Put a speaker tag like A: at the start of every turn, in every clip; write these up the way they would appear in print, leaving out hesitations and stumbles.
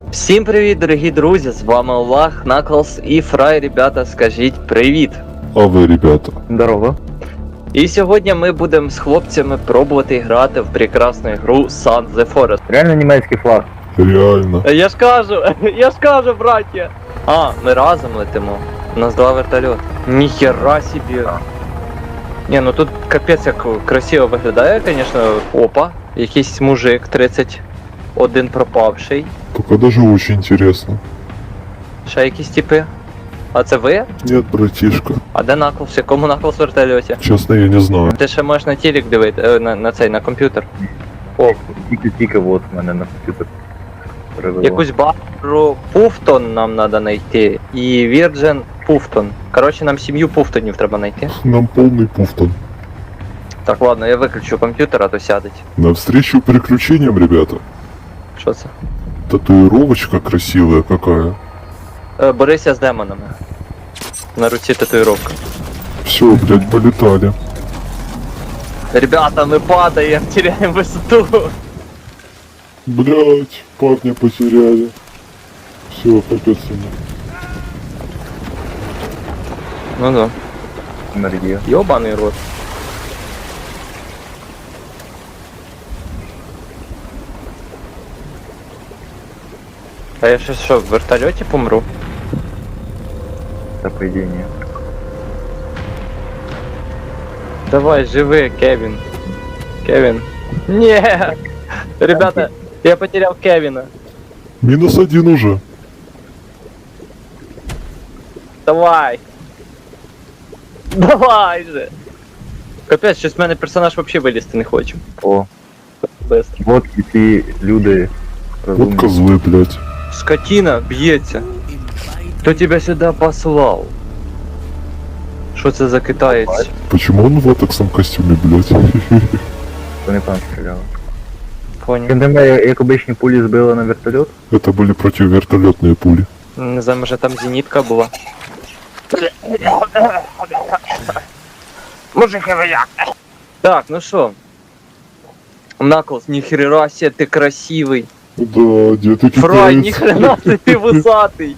A: Всім привіт, дорогі друзі, з вами Олах, Наклз і Фрай, ребята, скажіть привіт.
B: А ви, ребята?
C: Здорово.
A: І сьогодні ми будемо з хлопцями пробувати грати в прекрасну гру Sun the Forest.
C: Реально німецький флаг.
B: Реально.
A: Я ж кажу, браття. А, ми разом летимо. У нас два вертольоти. Ніхера собі. Ні, ну тут капець як красиво виглядає, звісно. Опа, якийсь мужик 31 пропавший.
B: Только даже очень интересно.
A: Ще якісь типи. А це ви?
B: Нет, братишка.
A: А де Наклз? В якому Наклз вертольоті?
B: Честно, я не знаю.
A: Ти ще можеш на телек дивити, на комп'ютер. О,
C: Тільки от в мене на комп'ютер перевело.
A: якусь бару Пуфтон нам треба знайти. І Virgin Пуфтон. Коротше, нам сім'ю Пуфтонів треба знайти.
B: Нам полный пуфтон.
A: Так, ладно, я виключу комп'ютер, а то сядеть.
B: Навстречу приключениям, ребята.
A: Що це?
B: Татуировочка красивая какая.
A: Борися з демонами. На руці татуїровка.
B: Все, блядь, полетали.
A: Ребята, ми падаємо, теряємо висоту.
B: Блядь, парня потеряли. Все, капец ему.
A: Ну да.
C: Енергія.
A: Йобаний рот. А я ще що, в вертольоті помру?
C: Та по ідеї ні.
A: Давай, живи, Кевин. Кевин. Не, ребята, я потерял Кевина.
B: -1 уже.
A: Давай. Давай же. Капець, щось в мене персонаж вообще вилізти не хоче.
C: О,
A: Быстро.
C: от і ці люди
B: Вот
C: розумні.
B: козлы, блядь.
A: Скотина б'ється. Кто тебя сюда послал? Що це за китаєць?
B: Почему он в латексном костюме, блядь?
C: Вони там стріляли.
A: Понял.
C: Він тебе як обичні пулі збили на вертольот.
B: Это были противовертолетные пули.
A: Не знаю, може там зенітка була. Мужики ви як? Так, ну що? Наклз, ніхрена себе, ти красивий.
B: Да, где ты
A: Фрай,
B: китаец?
A: ніхрена себе, ти вусатий.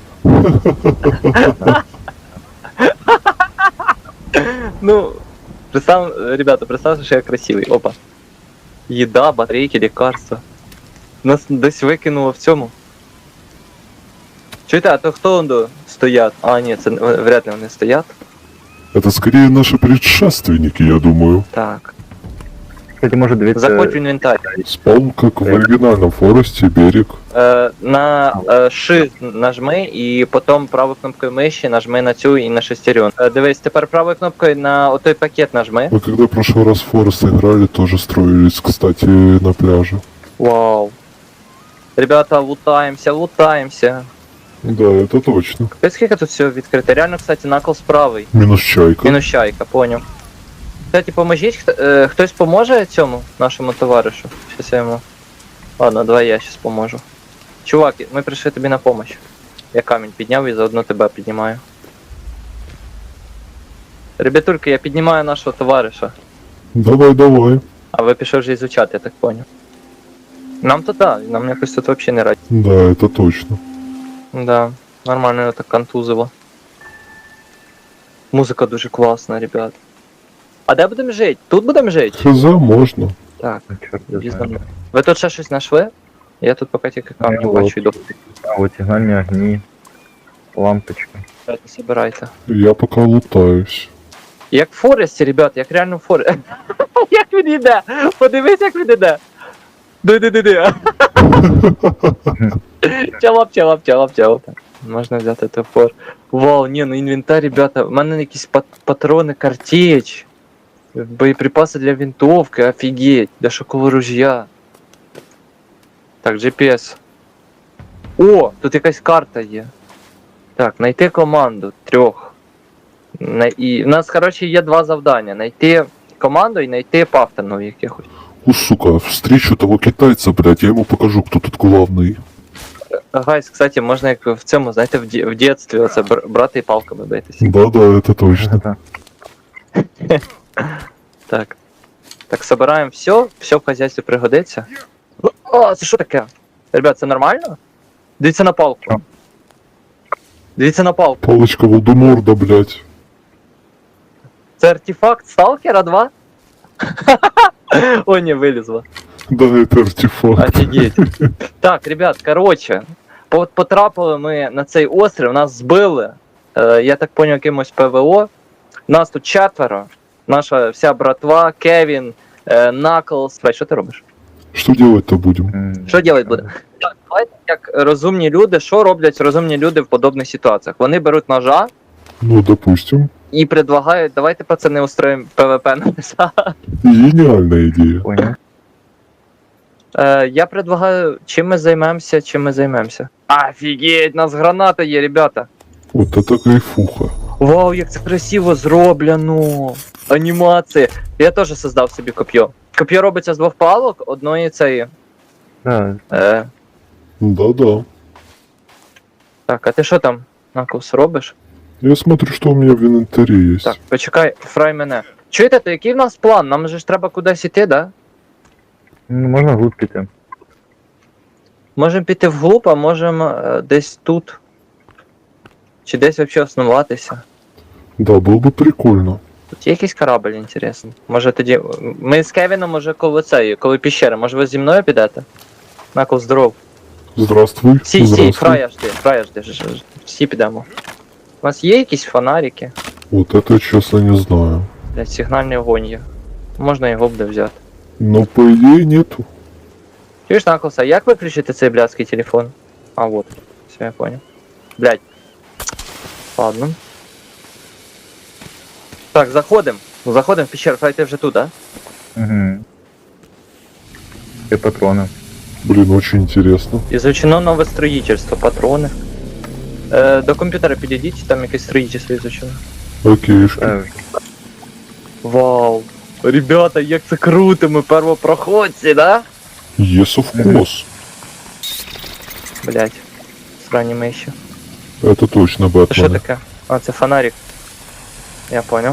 A: Ну, ребята, представьте, что я красивый. Опа. Еда, батарейки, лекарства. Нас десь викинуло в цьому. Чуєте, а то хто он стоять? А, ні, це вряд ли вони стоять.
B: Это скорее наши предшественники, я думаю.
A: Так.
C: Кстати, може дивитися...
A: Заходь в інвентар.
B: Спаун, как в оригинальном Форесте, берег.
A: На Shift нажми і потім правою кнопкою миші нажми на цю і на шестерен. Дивись, тепер правою кнопкою на отой пакет нажми.
B: Мы когда в прошлый раз в Форест играли, тоже строились, кстати, на пляже.
A: Вау. Ребята, лутаємося.
B: Да, это точно.
A: Капець, скільки тут всього відкрито. Реально, кстати, Наклз правий.
B: Минус чайка.
A: Мінус чайка, поняв. Кстати, поможіть, хтось поможе цьому нашому товаришу? Щас я йому... Ладно, давай я щас поможу. Чувак, ми прийшли тобі на помощь. Я камінь підняв і заодно тебе піднімаю. Ребятульки, я піднімаю нашого товариша.
B: Давай, давай.
A: А ви пішов вже ізучати, я так поняв. Нам то да, нам якось тут взагалі не раді.
B: Да, это точно.
A: Да, нормально його так контузило. Музика дуже класна, ребят. А де будемо жити? Тут будемо жити?
B: Хз, можно.
A: Так,
C: Ну, чорт я
A: візьмемо.
C: знаю.
A: Ви тут ще щось знайшли? Я тут поки тільки камні
C: Ну,
A: бачу, йду.
C: А от сигнальні огні, лампочка.
A: Давайте, собирайте.
B: Я пока лутаюсь.
A: Як в Форесті, ребят, як реально в Форесті. Як він йде? Подивись, як він йде. Ди. Чалап. Можна взяти топор. Вау, ні, ну інвентар, ребята, в мене якісь патрони, картеч. Боєприпаси для винтовки, офігеть, для шокового ружья. Так, GPS. О, тут якась карта є. Так, знайти команду, 3. І в нас, коротше, є 2 завдання. Знайти команду і знайти пафтонів якихось.
B: О, сука, встречу того китайца, блядь, я ему покажу, кто тут главный.
A: Гайс, кстати, можна як в цьому, знаєте, в дитинстві оце брати і палками битися.
B: Да-да, это точно.
A: Так. Так, собираємо все в хазяйстві пригодиться. О, це що таке? Ребят, це нормально? Дивіться на палку.
C: Що?
A: Дивіться на палку.
B: Палочка Волдеморда, блядь.
A: Це артефакт Сталкера 2? О, не, вилізла.
B: Да, это артефакт.
A: Офігеть. Так, ребят, короче, потрапили ми на цей острів, нас збили. Я так поняв, якимось ПВО. Нас тут 4. Наша вся братва, Кевін, Наклз. Що ти робиш?
B: Что делать-то будем?
A: Що делать буде? Так, давайте як розумні люди, що роблять розумні люди в подобних ситуаціях? Вони беруть ножа
B: Ну, допустим.
A: і предлагають, давайте пацани устроїмо ПВП на леса.
B: Гениальная идея.
C: Понял.
A: Я предлагаю, чим ми займемося. Офігеть, у нас граната є, ребята.
B: Вот это кайфуха.
A: Вау, як це красиво зроблено. Анімація. Я теж создав собі коп'є. Коп'є робиться з 2 палок, одної цієї.
C: Да,
B: Да-да.
A: Так, а ти що там, Наклз, робиш?
B: Я смотрю, что у меня в инвентаре есть.
A: Так, почекай, фрай мене. Чуєте, то який в нас план? Нам же ж треба кудись іти, да?
C: ну, можна глубь піти.
A: Можемо піти вглуб, а можемо десь тут. Чи десь взагалі основатися.
B: Да, было бы прикольно.
A: Тут є якийсь корабль, інтересний. Може тоді. Ми з Кевіном уже коло цієї, коли піщери. Може ви зі мною підете? Наклз, здоров.
B: Здравствуй.
A: Всі,
B: Здравствуй.
A: фрая жди. Всі підемо. У вас є якісь фонарики?
B: Вот это я честно не знаю.
A: Блять, сигнальний огонь є. Можна його буде взяти.
B: Но по идее нету.
A: Чуєш, Наклз, а як виключити цей блядський телефон? А, вот. Все, я понял. Блять. Ладно. Так, заходим. Заходим в пещеру. Фрай, ти вже тут, да?
C: Угу. І патрони.
B: Блин, очень интересно.
A: Изучено нове строїтельство, патрони. До комп'ютера підійдіть, там якесь строїтельство изучено.
B: Окейшки.
A: Вау. Ребята, як це круто, ми первопроходці, да?
B: Yes, of course.
A: Блять. Срані миші.
B: Это точно
A: Це що
B: Бэтмен.
A: таке? А, це фонарик. Я понял.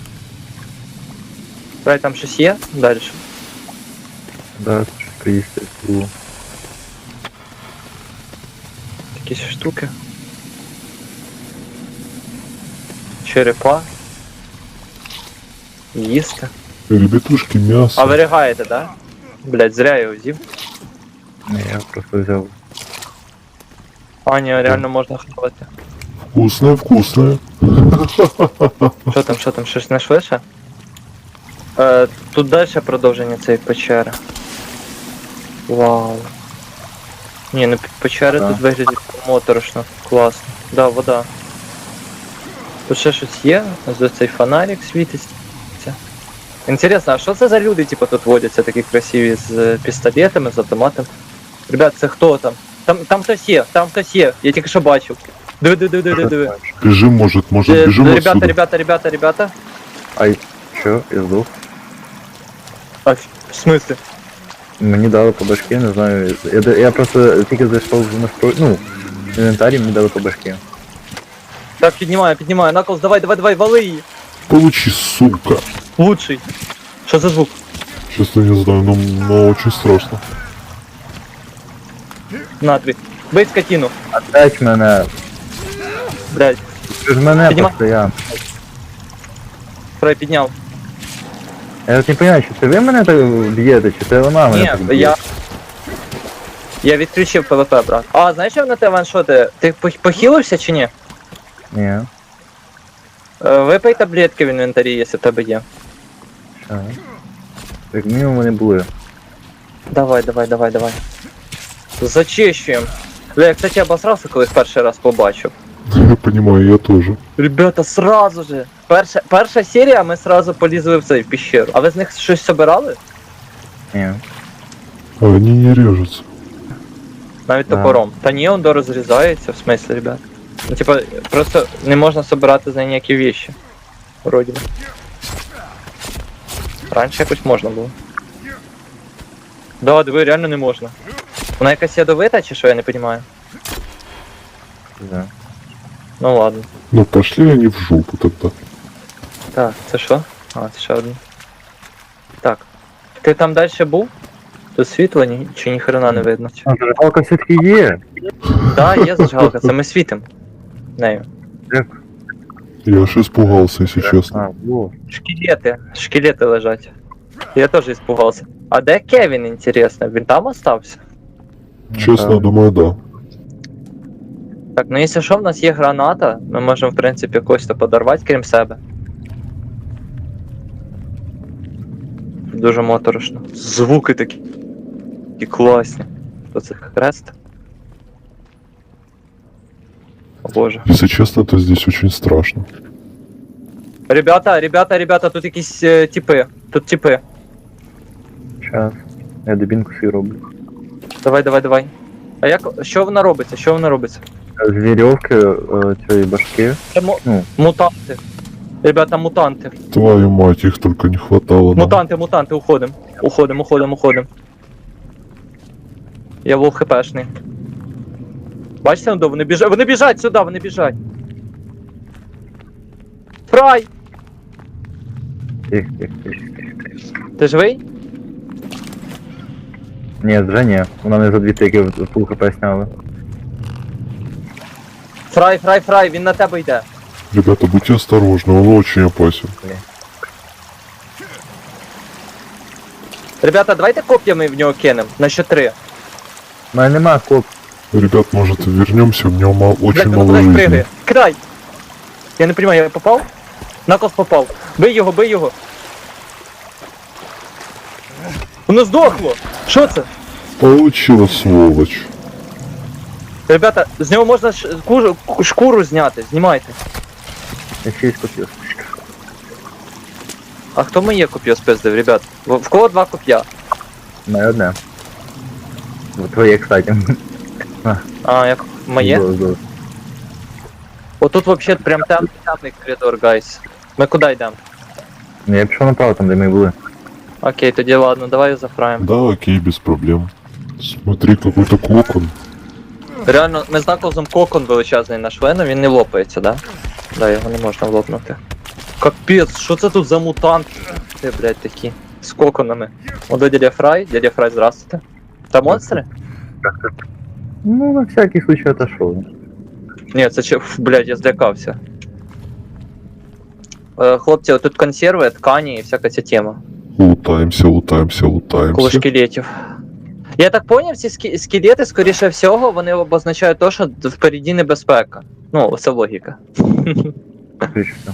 A: Фрай, там щось є? Дальше.
C: Да, це ж приїсти.
A: Якісь штуки. Черепа. Їсти.
B: Ребятушки, мясо.
A: А ви ригаєте, да? Блять, зря я його взяв.
C: Не, я просто взяв.
A: А, ні, реально можна хавати.
B: Вкусное, вкусное.
A: Що там, щось знайшли ще? Тут далі продовження цієї печери. Вау. Ні, ну печери
C: Да.
A: тут виглядять моторошно. Класно. Да, вода. Тут ще щось є, ось цей фонарик світиться. Інтересно, а що це за люди, типу, тут водяться такі красиві з пістолетами, з автоматом? Ребят, це хто там? Там хтось є, я тільки що бачив. Диви.
B: Бежим, может, бежим отсюда.
A: Ребята.
C: Ай, що? Я здох.
A: А, в смысле?
C: Мені дали по башки, не знаю. Я просто тільки зайшов в настрой. Ну, в інвентарі мені дали по башки.
A: Так, піднімаю, Наклз, давай, вали її.
B: Получи, сука.
A: Лучший. Що за звук?
B: Честно не знаю, но очень страшно.
A: На тобі. Бий скотину.
C: Опять мене.
A: Блядь,
C: Ти ж мене
A: Піднімай.
C: постійно.
A: Фрай підняв.
C: Я от не розумію, чи це ви мене так б'єте, чи це вона мене
A: Ні,
C: так б'є?
A: я відключив ПВП, брат. А, знаєш, що на те ваншоти? Ти похилився чи ні?
C: Ні.
A: Випий таблетки в інвентарі, якщо в тебе є.
C: Що? Так мінімум вони були.
A: Давай. Зачищуємо. Бля, я, кстати, обосрався, коли їх перший раз побачив.
B: Я понимаю, я тоже.
A: Ребята, сразу же. Перша серія, ми сразу полізли в цей в пещеру. А ви з них щось собирали?
C: Ні.
B: А они не режутся.
A: Навіть
C: Да.
A: топором. Та ні, он розрізається, в смислі, ребят. Ну, типа, просто не можна собирати з неї ніякі вещи. Вроді би. Раніше якось можна було. Да, диви, реально не можна. Вона якась ядовита чи що, я не розумію.
C: Да.
A: Ну ладно.
B: Ну пошли они в жопу тогда.
A: Так, це що? А, це ще один. Так. Ти там далі був? Тут світло чи ні хрена не видно.
C: А, зажигалка все-таки є.
A: Да, є зажигалка, це ми світимо. Нею.
C: Як?
B: Я аж испугался, если честно.
C: А, во.
A: Шкелети лежать. Я теж испугався. А де Кевін, інтересно? Він там остався?
B: Честно, думаю, да.
A: Так, ну якщо що, в нас є граната, ми можемо, в принципі, когось то подорвати, крім себе. Дуже моторошно. Звуки такі класні. Оце хрест. О боже.
B: Если честно, то здесь очень страшно.
A: Ребята, тут якісь типи. Тут типи.
C: Щас. Я дебінку свій роблю.
A: Давай. А як. Що вона робиться?
C: З вірьовки цієї башки.
A: Це
C: Ну.
A: мутанти. Ребята, мутанти.
B: Твою мать, их только не хватало. нам.
A: Мутанти, уходим. Я вов хпшний. Бачите, вони біжать. Вони біжать сюди, вони біжать. Фрай!
C: Тих.
A: Ти живий?
C: Ні, вже ні. Вона не за дві тики в фул хп сняли.
A: Фрай, він на тебе йде.
B: Ребята, будьте осторожны, он очень опасен.
A: Ребята, давайте коп'ями в нього кинемо. На що 3.
C: У мене нема коп.
B: Ребят, может вернемся, у него очень
A: Блядь,
B: мало
A: куди
B: жизни.
A: пригає? Кидай! Я не розумію, я попав? Накос попав. Бий його. Воно здохло! Що це?
B: Получила, сволочь.
A: Ребята, з нього можна шкуру зняти, знімайте.
C: Я ще й скопів.
A: А хто моє коп'я спиздив, ребят? В кого 2 коп'я?
C: У мене одне. Твоє, кстати.
A: А, як моє?
C: Зо.
A: Отут вообще прям темний коридор, гайс. Ми куди йдемо?
C: Ну я пішов направо, там де ми були.
A: Окей, тоді ладно, давай зафраємо.
B: Да, окей, без проблем. Смотри, какой-то кокон.
A: Реально, ми з наколзом кокон величезний нашли, але він не лопається, да? Да, його не можна лопнути. Капець, що це тут за мутанти? Ти, блядь, такі. З коконами. О, дядя Фрай, здравствуйте. Та монстри?
C: Ну, на всякий случай отошел.
A: Ні, це че, блядь, я злякався. Хлопці, отут консерви, ткані і всяка ця тема.
B: Лутаемся.
A: Коло шкелетів. Я так поняв, ці скелети, скоріше всього, вони обозначають те, що впереді небезпека. Ну, це логіка.
C: Отлично.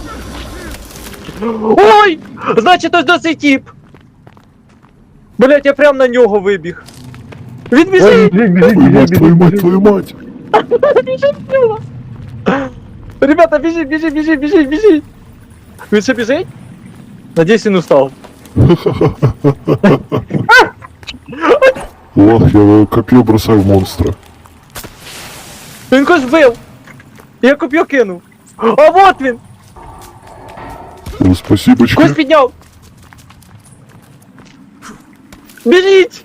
A: Ой! Значить, ось досить тип! Блять, я прям на нього вибіг. Він біжить!
B: Твою мать!
A: Біжить в нього! Ребята, біжить! Він ще біжить? Надіюсь, він устав.
B: Ох, я копье бросаю в монстра.
A: Він когось вбив! Я коп'ю кинув! А вот він!
B: О, спасибочки.
A: Когось підняв! Біжіть!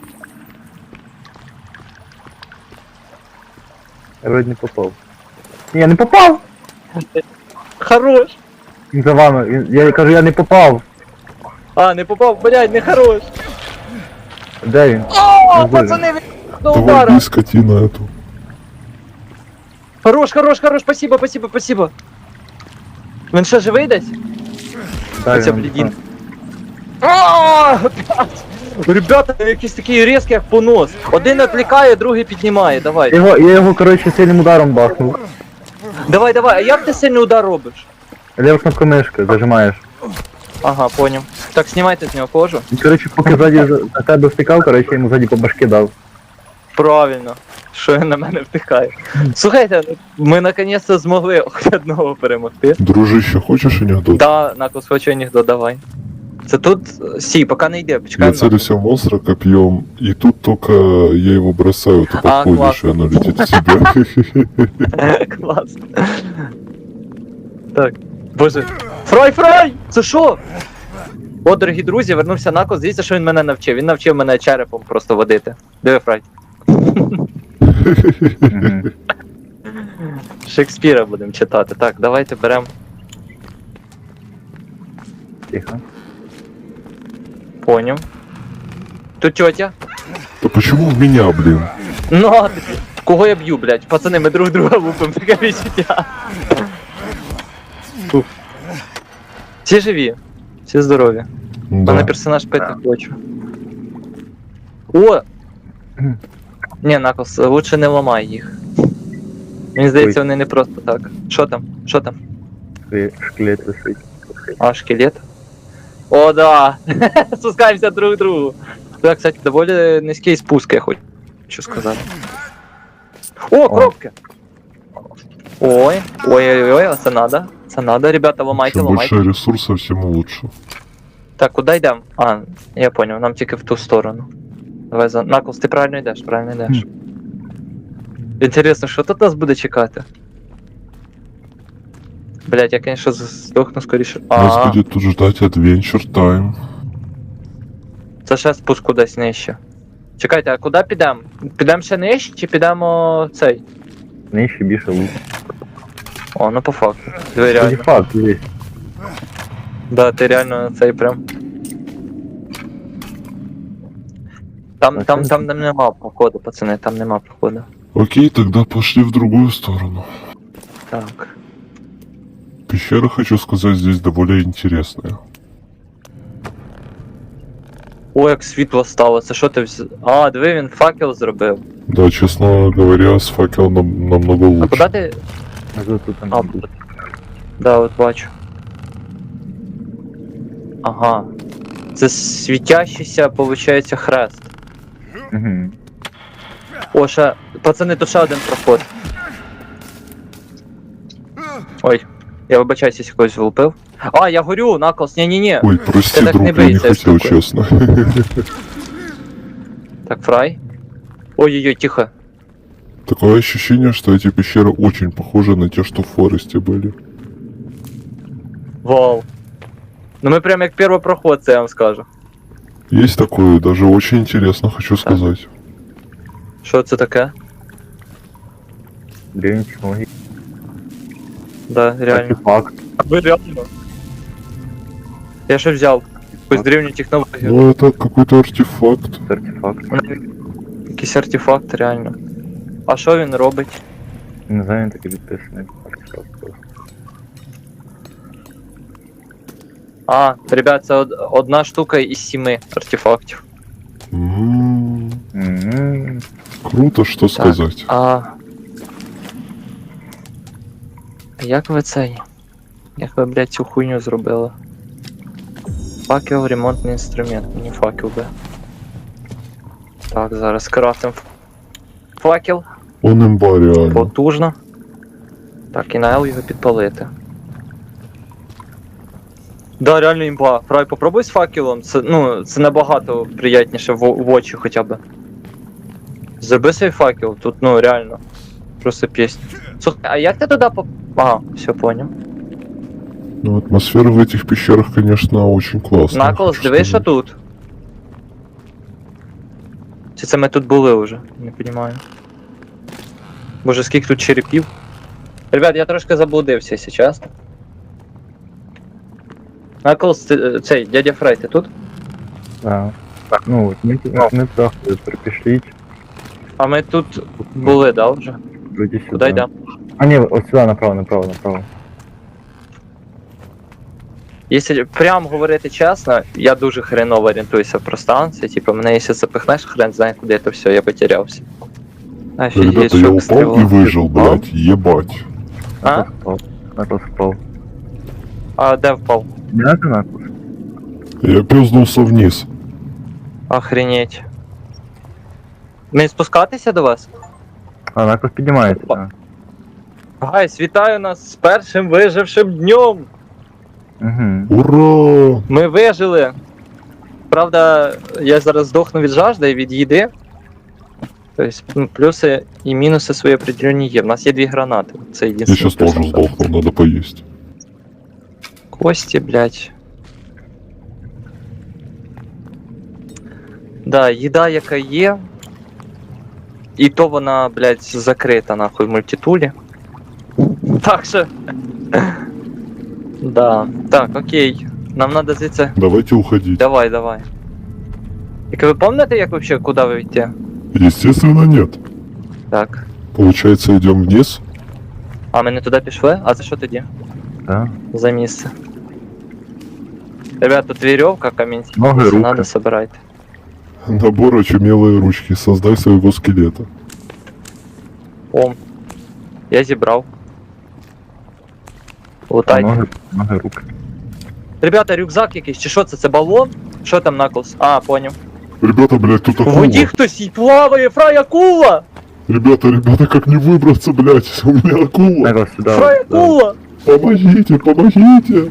C: Я вроде не попав. Ні, я не попав!
A: Хорош!
C: Він за вами. Я кажу, я не попав.
A: А, не попав, блядь, не хорош!
C: Де він?
A: О,
C: Ну,
A: пацани, він до
B: Давай,
A: удара!
B: бей скотина эту.
A: Хорош, спасибо. Він ще живий десь?
C: Так,
A: Оця
C: він-
A: блідін. Ааа, опять! Ребята, якийсь такий різкий, як понос. Один відлікає, другий піднімає, давай.
C: Я його, коротше, сильним ударом бахнув.
A: Давай, а як ти сильний удар робиш?
C: Лева кнопка мишки, зажимаєш.
A: Ага, поняв. Так, знімайте з нього кожу.
C: І, коротше, поки ззаді за тебе втикав, коротше, я йому ззаді по башки дав.
A: Правильно. Що він на мене втикає. Слухайте, ми наконец-то змогли хоч одного перемогти.
B: Дружище, хочешь анекдот?
A: Да, Накус, хочу анекдот, давай. Це тут. Сі, поки не йде,
B: Я
A: почекаємо.
B: целюсь в монстра копьем, и тут только я его бросаю, ты
A: А,
B: подходишь,
A: классно.
B: и оно летит в тебя.
A: Клас. Так. Боже. Фрай! Це що? О, дорогі друзі, вернувся Накус, дивіться, що він мене навчив. Він навчив мене черепом просто водити. Диви, Фрай.
C: Мгм.
A: Шекспіра будемо читати. Так, давайте беремо.
C: Тихо.
A: Поняв. Тут тетя.
B: Да почему в меня, блин?
A: Ну, а ти- кого я б'ю, блядь? Пацани, ми друг друга лупимо, таке відчуття. Фух. Всі живі, всі здорові. Мене
B: Да.
A: персонаж пити хочу. О! Ні, Наклс, лучше не ламай їх. Мені здається, вони не просто так. Що там? Що там?
C: Шкелет висить.
A: А, шкелет? О, да! Спускаємося друг к другу. Так, кстати, доволі низький спуск, я хочу сказати. О, коробки! Ой, ой-ой-ой, це надо. Це надо, ребята, ламайте,
B: Чем
A: ламайте.
B: больше ресурсов, тем лучше.
A: Так, куди йдемо? А, я понял, нам тільки в ту сторону. Давай за. Наклс, ти правильно йдеш, правильно йдеш. Інтересно, що тут нас буде чекати? Блять, я, конечно, здохну скоріше.
B: Нас
A: А,
B: будет тут ждать Adventure Time.
A: це ще спуск кудись нижче. Чекайте, а куди підемо? Підемо ще нижче чи підемо цей?
C: Нижче більше лут.
A: О, ну по факту. Диви,
C: Тоді
A: реально.
C: факт, дивись.
A: Да, ти реально цей прям. Там нема проходу, пацани, там нема проходу.
B: Окей, тогда пошли в другую сторону.
A: Так.
B: Пещера, хочу сказать, здесь довольно интересная.
A: О, як світло стало, це що ти взяв? А, диви, він факел зробив.
B: Да, честно говоря, с факелом намного
A: А
B: лучше.
A: куди ти.
C: Тут там.
A: А, да, от бачу. Ага. Це світящийся, получається, хрест.
C: Угу.
A: О, ще. Пацани, тут ще один проход. Ой, я вибачаюсь, якщо когось влупив. А, я горю, Наклс, ні-ні-ні.
B: Ой, прости,
A: Ты так
B: друг,
A: не
B: я не
A: бойся,
B: хотел,
A: штука.
B: честно.
A: Так, фрай. Ой-ой-ой, тихо.
B: Такое ощущение, что эти пещеры очень похожи на те, что в Форесте были.
A: Вау. Ну ми прям як первопроходці, я вам скажу.
B: Есть такое, даже очень интересно, хочу сказать.
A: Що це таке?
C: Древні технології.
A: Да, реально.
C: Артефакт.
A: Ви реально? Я ще взяв. Якусь древню технологію.
B: Ну, это какой-то артефакт.
C: Артефакт.
A: Якийсь артефакт, реально. А що він робить?
C: Не знаю, він такий відписаний. Артефакт просто.
A: А, ребят, це одна штука із 7 артефактів.
C: Мгм.
B: Круто, что сказать.
A: А. Як ви цей? Як ви, блядь, цю хуйню зробили? Факел, ремонтний інструмент, мені факел би. Так, зараз крафтим факел.
B: Он имба реально.
A: Потужно. Так, і на L його підпалити. Да, реально імба. Фрай, попробуй з факелом. Це, ну, це набагато приятніше в очі хоча б. Зроби свій факел, тут, ну, реально. Просто пісня. Слухай, а як ти туди поп... Ага, все понял.
B: Ну, атмосфера в этих пещерах, конечно, очень классная.
A: Наклс,
B: хочу
A: дивись, що
B: сказать.
A: тут. Чи це ми тут були вже? Не розумію. Боже, скільки тут черепів. Ребят, я трошки заблудився, якщо чесно. Наклс, цей, дядя Фрай, ти тут?
C: Да. Ну, от ми трохи перепішліть.
A: А ми тут були, да, вже?
C: Вроді сюди.
A: Куди йдемо?
C: А ні, ось сюди, направо.
A: Якщо прям говорити чесно, я дуже хреново орієнтуюся в пространстві. Типу, мене якщо запихнеш, хрен знає куди це все, я потерявся. Офігеть,
B: Ребята, я
A: що
B: упал и
A: стріло.
B: выжил,
A: Упал?
B: блядь, ебать.
A: А?
C: Наклс впав.
A: А де впав?
C: Не надо Наклс?
B: Я пёзнулся вниз.
A: Охренеть. Мені спускатися до вас?
C: А, Наклс піднімається.
A: Опа. Гайс, вітаю нас з першим вижившим днем!
C: Угу.
B: Ура!
A: Ми вижили. Правда, я зараз здохну від жажди і від їди. Тобто, ну, плюси і мінуси свої определені є. У нас є 2 гранати. Це
B: Я
A: єдине.
B: сейчас тоже сдохну, надо поесть.
A: Кості, блядь. Да, їда, яка є. І то вона, блядь, закрита нахуй в мультитулі. Так що. Да. Так, окей. Нам надо звідси.
B: Давайте уходить.
A: Давай. Так ви пам'ятаєте, як вообще, куди ви йти?
B: Естественно, нет.
A: Так.
B: Получается, идем вниз.
A: А ми не туди пішли? А це що тоді?
C: Да.
A: За місце. Ребят, тут веревка, камінь.
C: Ноги,
A: Якщо
C: руки.
A: надо, собирайте.
B: Набор очумелые ручки. Создай своего скелета.
A: О, я зібрав. Лутайте.
C: Ноги, руки.
A: Ребята, рюкзак якийсь, чи що це? Це балон? Що там Наклз? А, поняв.
B: Ребята, блядь, тут
A: У
B: акула.
A: воді хтось і плаває, фрай акула!
B: Ребята, как не выбраться, блядь? У меня акула.
C: Наклз, сюди.
A: Фрай акула!
B: Помогите.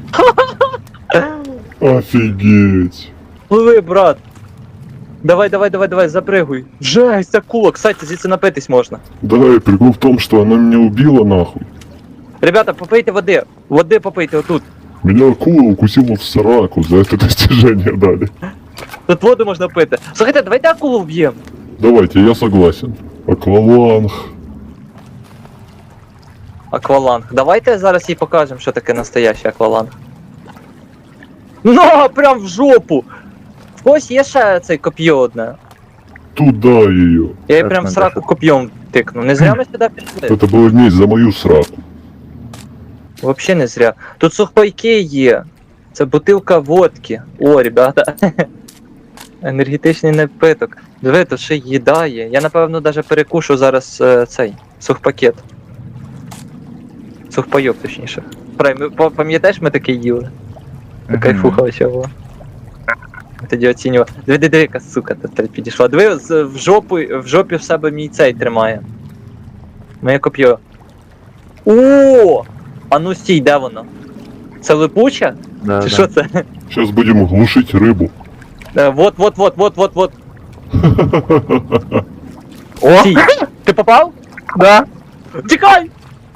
B: Офигеть.
A: Пливи, брат. Давай, запрыгуй. Жесть, акула, кстати, звідси напитись можна.
B: Да, и прикол в том, что она меня убила, нахуй.
A: Ребята, попийте води. Води попийте отут.
B: Меня акула укусила в сраку, за это достижение дали.
A: Тут воду можна пити. Слухайте, давайте акулу вб'ємо.
B: Давайте, я согласен. Акваланг.
A: Акваланг. Давайте зараз їй покажемо, що таке настоящий акваланг. Ну, прям в жопу! В когось є ще цей коп'є одне.
B: Туда ее.
A: Я їй
C: Так,
A: прям в
C: надо
A: сраку
C: що-
A: коп'єм тикну. Не зря ми сюди пішли.
B: Это было месть за мою сраку.
A: Вообще не зря. Тут сухпайки є. Це бутилка водки. О, ребята. Енергетичний напиток. Диви, тут ще їда є. Я напевно даже перекушу зараз цей сухпакет. Сухпайок, точніше. Фрай, пам'ятаєш, ми таке їли? Кайфуха вообще була. Тоді оцінював. Диви, яка сука тут підійшла. Диви, в жопі в себе мій цей тримає. Моє коп'є. О! А ну стій, де воно? Це липуча?
C: Да,
A: Чи
C: да.
A: що це?
B: Сейчас будем глушить рыбу.
A: Вот. Стій. Ти попав?
C: Да.
A: Тікай!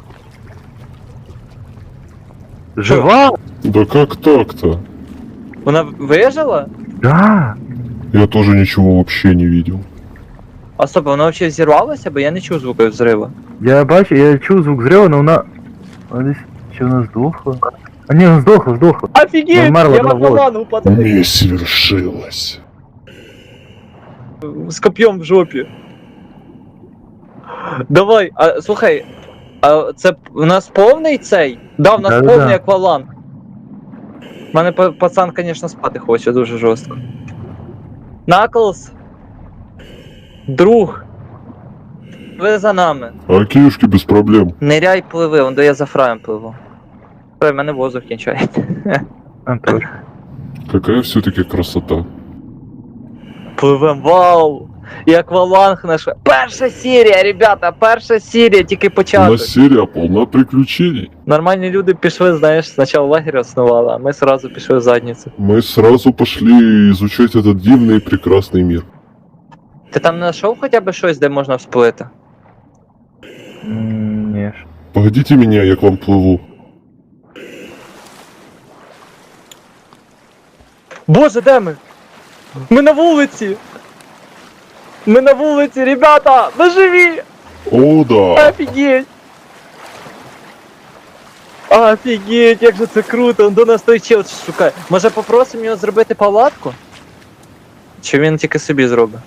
C: Жива?
B: Да как так-то?
A: Вона вижила?
C: Да.
B: Я тоже ничего вообще не видел.
A: А стоп, вона взагалі взірвалася, бо я не чув звуку взриву.
C: Я бачу, я чув звук зриву, але вона десь, чи вона здохла? А ні, вона здохла.
A: Офігеть!
C: Вмерла
A: Я в
C: на волі.
A: аквалангу падаю.
B: Месть свершилась.
A: З коп'єм в жопі. Давай, а слухай, а це у нас повний цей? Да, у нас
C: Да-да-да.
A: повний акваланг. У мене пацан, звісно, спати хоче дуже жорстко. Наклз! Друг! Ви за нами.
B: А киюшки без проблем.
A: Ниряй, пливи, он де я за фраєм пливу. Фрай, в мене воздух кінчається.
B: Какая все-таки красота.
A: Пливем, вау! І акваланг наш. Перша серія, ребята, перша серія, тільки
B: У
A: початок.
B: нас серия полна приключений.
A: Нормальні люди пішли, знаєш, спочатку лагерь основали, а ми сразу пішли в задницю.
B: Мы сразу пошли изучать этот дивный и прекрасный мир.
A: Ти там знайшов хоча б щось, де можна всплити?
C: Ні.
B: Погодите меня, я к вам плыву.
A: Боже, де ми? Ми на вулиці! Ми на вулиці, ребята! Ми живі!
B: О, да.
A: Офігеть! Офігеть, як же це круто! Он до нас той чел шукає. Може попросимо його зробити палатку? Чи він тільки собі зробить?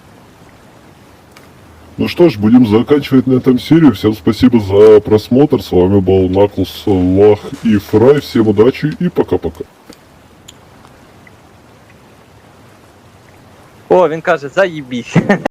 B: Ну что ж, будем заканчивать на этом серию. Всем спасибо за просмотр. С вами был Наклз, Лах и Фрай. Всем удачи и пока-пока.
A: О, він каже, заїбісь.